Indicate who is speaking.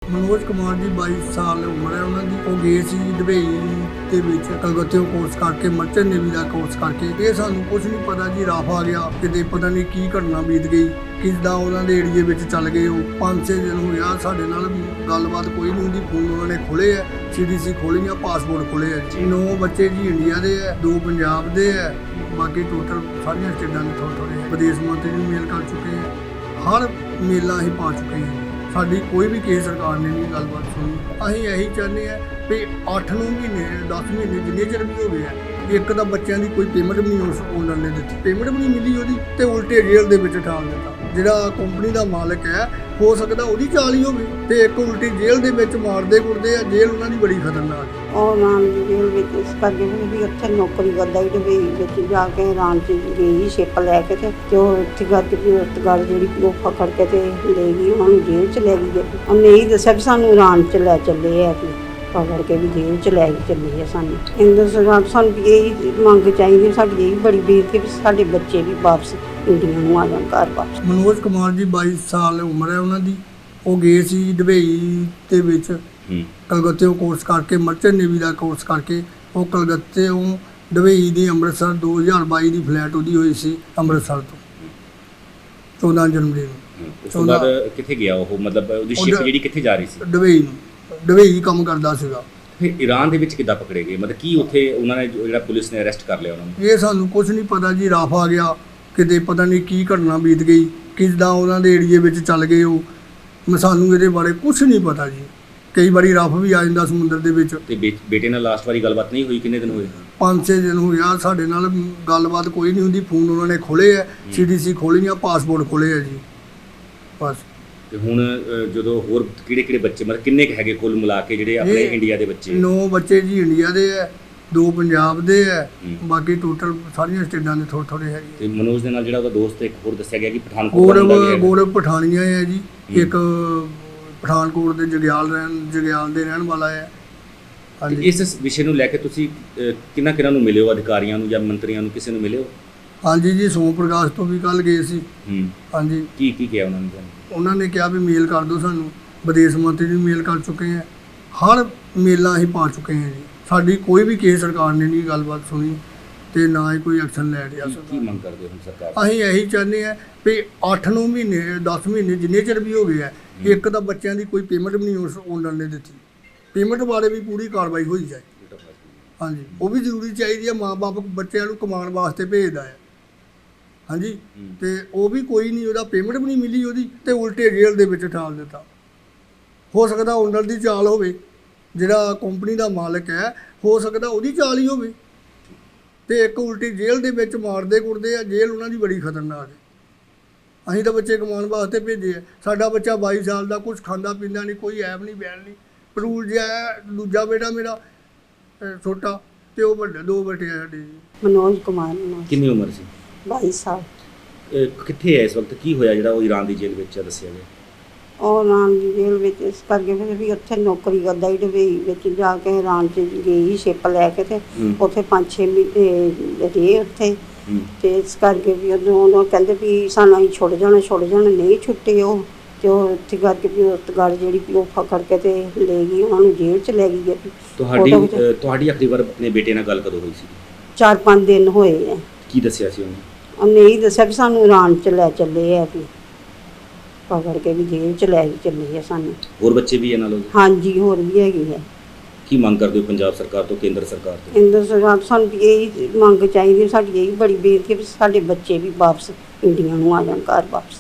Speaker 1: मनोज कुमार जी 22 साल उम्र है उन्होंने। वो गए सी दुबई ਦੇ ਵਿੱਚ ਕਲਕੱਤੇ ਕੋਰਸ ਕਰਕੇ ਮਰਚੈਂਟ ਨੇਵੀ ਦਾ ਕੋਰਸ ਕਰਕੇ। ਇਹ ਸਾਨੂੰ ਕੁਝ ਨਹੀਂ ਪਤਾ ਜੀ, ਰਫ ਆ ਗਿਆ ਕਿਤੇ, ਪਤਾ ਨਹੀਂ ਕੀ ਘਟਨਾ ਬੀਤ ਗਈ, ਕਿੱਦਾਂ ਉਹਨਾਂ ਦੇ ਏਰੀਏ ਵਿੱਚ ਚੱਲ ਗਏ। ਉਹ 5-6 ਦਿਨ ਹੋ ਗਿਆ, ਸਾਡੇ ਨਾਲ ਗੱਲਬਾਤ ਕੋਈ ਨਹੀਂ ਹੁੰਦੀ। ਫੋਨ ਉਹਨਾਂ ਨੇ ਖੋਲੇ ਆ, CDC ਖੋਲੀਆਂ, ਪਾਸਪੋਰਟ ਖੋਲੇ ਆ ਜੀ। 9 ਬੱਚੇ ਜੀ ਇੰਡੀਆ ਦੇ ਆ, 2 ਪੰਜਾਬ ਦੇ ਆ, ਬਾਕੀ ਟੋਟਲ ਸਾਰੀਆਂ ਸਟੇਟਾਂ ਦੇ ਥੋੜ੍ਹੇ ਵਿਦੇਸ਼ ਮੰਤਰੀ ਨੂੰ ਮੇਲ ਕਰ ਚੁੱਕੇ ਆ, ਹਰ ਮੇਲਾਂ ਅਸੀਂ ਪਾ ਚੁੱਕੇ ਹਾਂ। ਸਾਡੀ ਕੋਈ ਵੀ ਕਿਸੇ ਸਰਕਾਰ ਨੇ ਨਹੀਂ ਗੱਲਬਾਤ ਸੁਣੀ। ਅਸੀਂ ਇਹੀ ਚਾਹੁੰਦੇ ਹਾਂ ਵੀ 8-9 ਮਹੀਨੇ 10 ਮਹੀਨੇ ਜਿੰਨੇ ਚਿਰ ਵੀ ਹੋ ਗਏ ਆ, ਇੱਕ ਤਾਂ ਬੱਚਿਆਂ ਦੀ ਕੋਈ ਪੇਮੈਂਟ ਵੀ ਨਹੀਂ ਉਸ ਓਨਰ ਨੇ ਦਿੱਤੀ, ਪੇਮੈਂਟ ਵੀ ਨਹੀਂ ਮਿਲੀ ਉਹਦੀ, ਤੇ ਉਲਟੇ ਜੇਲ੍ਹ ਦੇ ਵਿੱਚ ਠਾਲ ਦਿੱਤਾ। ਜਿਹੜਾ ਕੰਪਨੀ ਦਾ ਮਾਲਕ ਹੈ, ਹੋ ਸਕਦਾ ਉਹਦੀ ਚਾਲ ਹੀ ਹੋਵੇ, ਤੇ ਇੱਕ ਉਲਟੀ ਜੇਲ੍ਹ ਦੇ ਵਿੱਚ ਮਾਰਦੇ ਕੁੱਟਦੇ ਆ। ਜੇਲ੍ਹ ਉਹਨਾਂ ਦੀ ਬੜੀ ਖਤਰਨਾਕ ਹੈ।
Speaker 2: ਉਹ ਰਾਂ ਦੀ ਜੇਲ੍ਹ ਵਿੱਚ ਇਸ ਕਰਕੇ ਵੀ ਉੱਥੇ ਨੌਕਰੀ ਕਰਦਾ ਹੀ ਡਬਈ ਵਿੱਚ ਜਾ ਕੇ ਰਾਂ 'ਚ ਗਈ ਸ਼ਿਪ ਲੈ ਕੇ, ਤੇ ਉਹ ਉੱਥੇ ਕਰਕੇ ਵੀ ਉਸ ਗੱਲ ਜਿਹੜੀ ਉਹ ਫਕੜ ਕੇ ਤੇ ਲੈ ਗਈ, ਉਹਨਾਂ ਨੂੰ ਜੇਲ੍ਹ 'ਚ ਲੈ ਗਈ। ਉਹਨੇ ਇਹ ਦੱਸਿਆ ਵੀ ਸਾਨੂੰ ਰਾਂ 'ਚ ਲੈ ਚੱਲੇ ਆ, ਪਕੜ ਕੇ ਵੀ ਜੇਲ੍ਹ 'ਚ ਲੈ ਕੇ ਚੱਲੇ ਆ ਸਾਨੂੰ। ਇੰਦਰ ਸਰਕਾਰ ਸਾਨੂੰ ਵੀ ਇਹੀ ਮੰਗ ਚਾਹੀਦੀ, ਸਾਡੀ ਇਹ ਬੜੀ ਬੇਨਤੀ ਵੀ ਸਾਡੇ ਬੱਚੇ ਵੀ ਵਾਪਸ ਇੰਡੀਆ ਨੂੰ ਆ ਜਾਣ, ਘਰ ਵਾਪਸ।
Speaker 1: ਮਨੋਜ ਕੁਮਾਰ ਜੀ 22 ਸਾਲ ਉਮਰ ਹੈ ਉਹਨਾਂ ਦੀ। ਉਹ ਗਏ ਸੀ ਦੁਬਈ ਦੇ ਵਿੱਚ ਕਲਕੱਤੇ ਕੋਰਸ ਕਰਕੇ, ਮਰਚੈਂਟ ਨੇਵੀ ਦਾ ਕੋਰਸ ਕਰਕੇ। ਉਹ ਕਲਕੱਤੇ ਦੁਬਈ ਦੀ ਅੰਮ੍ਰਿਤਸਰ 2022 ਦੀ ਫਲਾਈਟ ਉਹਦੀ ਹੋਈ ਸੀ ਅੰਮ੍ਰਿਤਸਰ ਤੋਂ 14 ਜਨਵਰੀ ਨੂੰ।
Speaker 3: ਉਸ ਤੋਂ ਬਾਅਦ ਕਿੱਥੇ ਗਿਆ ਉਹ, ਮਤਲਬ ਉਹਦੀ ਸ਼ਿਪ ਜਿਹੜੀ ਕਿੱਥੇ ਜਾ ਰਹੀ ਸੀ?
Speaker 1: ਦੁਬਈ ਨੂੰ। ਦੁਬਈ ਕੰਮ ਕਰਦਾ ਸੀਗਾ।
Speaker 3: ਫਿਰ ਈਰਾਨ ਦੇ ਵਿੱਚ ਕਿੱਦਾਂ ਪਕੜੇ ਗਏ, ਮਤਲਬ ਕੀ ਉੱਥੇ ਉਹਨਾਂ ਨੇ ਜਿਹੜਾ ਪੁਲਿਸ ਨੇ ਅਰੈਸਟ ਕਰ ਲਿਆ ਉਹਨਾਂ ਨੂੰ?
Speaker 1: ਇਹ ਸਾਨੂੰ ਕੁਝ ਨਹੀਂ ਪਤਾ ਜੀ, ਰਫ ਆ ਗਿਆ ਕਿਤੇ, ਪਤਾ ਨਹੀਂ ਕੀ ਘਟਨਾ ਬੀਤ ਗਈ, ਕਿੱਦਾਂ ਉਹਨਾਂ ਦੇ ਏਰੀਏ ਵਿੱਚ ਚੱਲ ਗਏ। ਉਹ ਸਾਨੂੰ ਇਹਦੇ ਬਾਰੇ ਕੁਝ ਨਹੀਂ ਪਤਾ ਜੀ। ਕਈ ਵਾਰੀ ਰਫ ਵੀ ਆ ਜਾਂਦਾ ਸਮੁੰਦਰ ਦੇ ਵਿੱਚ।
Speaker 3: ਤੇ ਬੇਟੇ ਨਾਲ ਲਾਸਟ ਵਾਰੀ ਗੱਲਬਾਤ ਨਹੀਂ ਹੋਈ? ਕਿੰਨੇ ਦਿਨ ਹੋਏ?
Speaker 1: 5-6 ਦਿਨ ਹੋ ਗਿਆ, ਸਾਡੇ ਨਾਲ ਗੱਲਬਾਤ ਕੋਈ ਨਹੀਂ ਹੁੰਦੀ। ਫੋਨ ਉਹਨਾਂ ਨੇ ਖੋਲੇ ਆ, CDC ਖੋਲੀਆਂ, ਪਾਸਪੋਰਟ ਖੋਲੇ ਆ ਜੀ, ਬਸ।
Speaker 3: ਤੇ ਹੁਣ ਜਦੋਂ ਹੋਰ ਕਿਹੜੇ ਬੱਚੇ, ਮਤਲਬ ਕਿੰਨੇ ਕੁ ਹੈਗੇ ਕੁੱਲ ਮਿਲਾ ਕੇ ਜਿਹੜੇ ਆਪਣੇ ਇੰਡੀਆ ਦੇ ਬੱਚੇ?
Speaker 1: 9 ਬੱਚੇ ਜੀ ਇੰਡੀਆ ਦੇ ਆ, 2 ਪੰਜਾਬ ਦੇ ਆ, ਬਾਕੀ ਟੋਟਲ ਸਾਰੀਆਂ ਸਟੇਟਾਂ ਦੇ ਥੋੜ੍ਹੇ ਹੈਗੇ।
Speaker 3: ਤੇ ਮਨੋਜ ਦੇ ਨਾਲ ਜਿਹੜਾ ਉਹਦਾ ਦੋਸਤ ਇੱਕ ਹੋਰ ਦੱਸਿਆ ਗਿਆ ਕਿ ਪਠਾਨਕੋਟ ਦਾ ਵੀ ਹੈ।
Speaker 1: ਗੌਰਵ ਪਠਾਨੀਆ ਹੈ ਜੀ, ਇੱਕ ਪਠਾਨਕੋਟ ਦੇ ਜਗਿਆਲ ਦੇ ਰਹਿਣ ਵਾਲਾ ਹੈ। ਹਾਂਜੀ।
Speaker 3: ਇਸ ਵਿਸ਼ੇ ਨੂੰ ਲੈ ਕੇ ਤੁਸੀਂ ਕਿਹਨਾਂ ਨੂੰ ਮਿਲੇ ਹੋ, ਅਧਿਕਾਰੀਆਂ ਨੂੰ ਜਾਂ ਮੰਤਰੀਆਂ ਨੂੰ, ਕਿਸੇ ਨੂੰ ਮਿਲੇ ਹੋ?
Speaker 1: ਹਾਂਜੀ ਜੀ, ਸੋਮ ਪ੍ਰਕਾਸ਼ ਤੋਂ ਵੀ ਕੱਲ੍ਹ ਗਏ ਸੀ। ਹਾਂਜੀ।
Speaker 3: ਕੀ ਕਿਹਾ ਉਹਨਾਂ ਨੇ?
Speaker 1: ਉਹਨਾਂ ਨੇ ਕਿਹਾ ਵੀ ਮੇਲ ਕਰ ਦਿਓ ਸਾਨੂੰ, ਵਿਦੇਸ਼ ਮੰਤਰੀ ਨੂੰ ਮੇਲ ਕਰ ਚੁੱਕੇ ਹਾਂ, ਹਰ ਮੇਲਾਂ ਅਸੀਂ ਪਾ ਚੁੱਕੇ ਹਾਂ ਜੀ। ਸਾਡੀ ਕੋਈ ਵੀ ਕਿਸੇ ਸਰਕਾਰ ਨੇ ਨਹੀਂ ਗੱਲਬਾਤ ਸੁਣੀ, ਤੇ ਨਾ ਹੀ ਕੋਈ ਐਕਸ਼ਨ ਲੈ ਰਿਹਾ।
Speaker 3: ਕੀ ਮੰਗ ਕਰਦੇ ਹੋ ਸਰਕਾਰ?
Speaker 1: ਅਸੀਂ ਇਹੀ ਚਾਹੁੰਦੇ ਹਾਂ ਵੀ 8-9 ਮਹੀਨੇ 10 ਮਹੀਨੇ ਜਿੰਨੇ ਚਿਰ ਵੀ ਹੋ ਗਏ ਆ, ਇੱਕ ਤਾਂ ਬੱਚਿਆਂ ਦੀ ਕੋਈ ਪੇਮੈਂਟ ਵੀ ਨਹੀਂ ਉਸ ਓਨਰ ਨੇ ਦਿੱਤੀ, ਪੇਮੈਂਟ ਬਾਰੇ ਵੀ ਪੂਰੀ ਕਾਰਵਾਈ ਹੋਈ ਜਾਏ। ਹਾਂਜੀ, ਉਹ ਵੀ ਜ਼ਰੂਰੀ ਚਾਹੀਦੀ ਹੈ। ਮਾਂ-ਬਾਪ ਬੱਚਿਆਂ ਨੂੰ ਕਮਾਉਣ ਵਾਸਤੇ ਭੇਜਦਾ ਹੈ। ਹਾਂਜੀ, ਤੇ ਉਹ ਵੀ ਕੋਈ ਨਹੀਂ, ਉਹਦਾ ਪੇਮੈਂਟ ਵੀ ਨਹੀਂ ਮਿਲੀ ਉਹਦੀ, ਤੇ ਉਲਟੇ ਜੇਲ੍ਹ ਦੇ ਵਿੱਚ ਠਾਲ ਦਿੱਤਾ। ਹੋ ਸਕਦਾ ਓਨਰ ਦੀ ਚਾਲ ਹੋਵੇ, ਜਿਹੜਾ ਕੰਪਨੀ ਦਾ ਮਾਲਕ ਹੈ, ਹੋ ਸਕਦਾ ਉਹਦੀ ਚਾਲ ਹੀ ਹੋਵੇ, ਤੇ ਇੱਕ ਉਲਟੀ ਜੇਲ੍ਹ ਦੇ ਵਿੱਚ ਮਾਰਦੇ ਕੁੱਟਦੇ ਆ। ਜੇਲ੍ਹ ਉਹਨਾਂ ਦੀ ਬੜੀ ਖਤਰਨਾਕ ਹੈ। ਅਸੀਂ ਤਾਂ ਬੱਚੇ ਕਮਾਉਣ ਵਾਸਤੇ ਭੇਜੇ ਆ। ਸਾਡਾ ਬੱਚਾ 22 ਸਾਲ ਦਾ, ਕੁਝ ਖਾਂਦਾ ਪੀਂਦਾ ਨਹੀਂ, ਕੋਈ ਐਬ ਨਹੀਂ ਬੈਣ ਨਹੀਂ, ਪਰੂਲ ਜਿਹਾ ਹੈ। ਦੂਜਾ ਬੇਟਾ ਮੇਰਾ ਛੋਟਾ, ਤੇ ਉਹ ਵੱਡੇ 2 ਬੇਟੇ ਆ ਸਾਡੇ ਜੀ।
Speaker 2: ਮਨੋਜ ਕੁਮਾਰ।
Speaker 3: ਕਿੰਨੀ ਉਮਰ ਸੀ?
Speaker 2: 22 ਸਾਲ।
Speaker 3: ਕਿੱਥੇ ਹੈ ਇਸ ਵਕਤ? ਕੀ ਹੋਇਆ ਜਿਹੜਾ ਉਹ ਈਰਾਨ ਦੀ ਜੇਲ੍ਹ ਵਿੱਚ ਆ, ਦੱਸਿਆ ਗਿਆ? ਉਹ
Speaker 2: ਰਾਂ ਦੀ ਜੇਲ੍ਹ ਵਿੱਚ ਇਸ ਕਰਕੇ ਵੀ ਉੱਥੇ ਨੌਕਰੀ ਕਰਦਾ ਹੀ ਡਬਈ ਵਿੱਚ ਜਾ ਕੇ ਰਾਂ 'ਚ ਗਈ ਸ਼ਿਪ ਲੈ ਕੇ, ਤੇ ਉੱਥੇ 5-6 ਮਹੀਨੇ ਰਹੇ ਉੱਥੇ। ਤੇ ਇਸ ਕਰਕੇ ਵੀ ਉਦੋਂ ਕਹਿੰਦੇ ਵੀ ਸਾਨੂੰ ਅਸੀਂ ਛੁੱਟ ਜਾਣਾ, ਨਹੀਂ ਛੁੱਟੇ ਉਹ। ਤੇ ਉਹ ਉੱਥੇ ਕਰਕੇ ਵੀ ਉਸ ਗੱਲ ਜਿਹੜੀ ਉਹ ਫਕੜ ਕੇ ਤੇ ਲੈ ਗਈ, ਉਹਨਾਂ ਨੂੰ ਜੇਲ੍ਹ 'ਚ ਲੈ ਗਈ।
Speaker 3: ਤੁਹਾਡੀ ਆਖਰੀ ਵਾਰ ਆਪਣੇ ਬੇਟੇ ਨਾਲ ਗੱਲ ਕਦੋਂ ਹੋਈ ਸੀ?
Speaker 2: 4-5 ਦਿਨ ਹੋਏ ਆ।
Speaker 3: ਕੀ ਦੱਸਿਆ ਸੀ ਉਹਨੇ?
Speaker 2: ਉਹਨੇ ਇਹ ਦੱਸਿਆ ਵੀ ਸਾਨੂੰ ਰਾਂ 'ਚ ਲੈ ਚੱਲੇ ਆ, ਵੀ ਪਕੜ ਕੇ ਵੀ ਜੇਲ੍ਹ 'ਚ ਲੈ ਕੇ ਚੱਲੇ ਆ ਸਾਨੂੰ।
Speaker 3: ਹੋਰ ਬੱਚੇ ਵੀ ਇਹਨਾਂ ਨਾਲ?
Speaker 2: ਹਾਂਜੀ, ਹੋਰ ਵੀ ਹੈਗੇ ਹੈ।
Speaker 3: ਕੀ ਮੰਗ ਕਰਦੇ ਹੋ ਪੰਜਾਬ ਸਰਕਾਰ ਤੋਂ, ਕੇਂਦਰ ਸਰਕਾਰ ਤੋਂ?
Speaker 2: ਇੰਦਰ ਸਰਕਾਰ ਸਾਨੂੰ ਵੀ ਇਹੀ ਮੰਗ ਚਾਹੀਦੀ, ਸਾਡੀ ਇਹ ਬੜੀ ਬੇਨਤੀ ਵੀ ਸਾਡੇ ਬੱਚੇ ਵੀ ਵਾਪਸ ਇੰਡੀਆ ਨੂੰ ਆ ਜਾਣ, ਘਰ ਵਾਪਸ।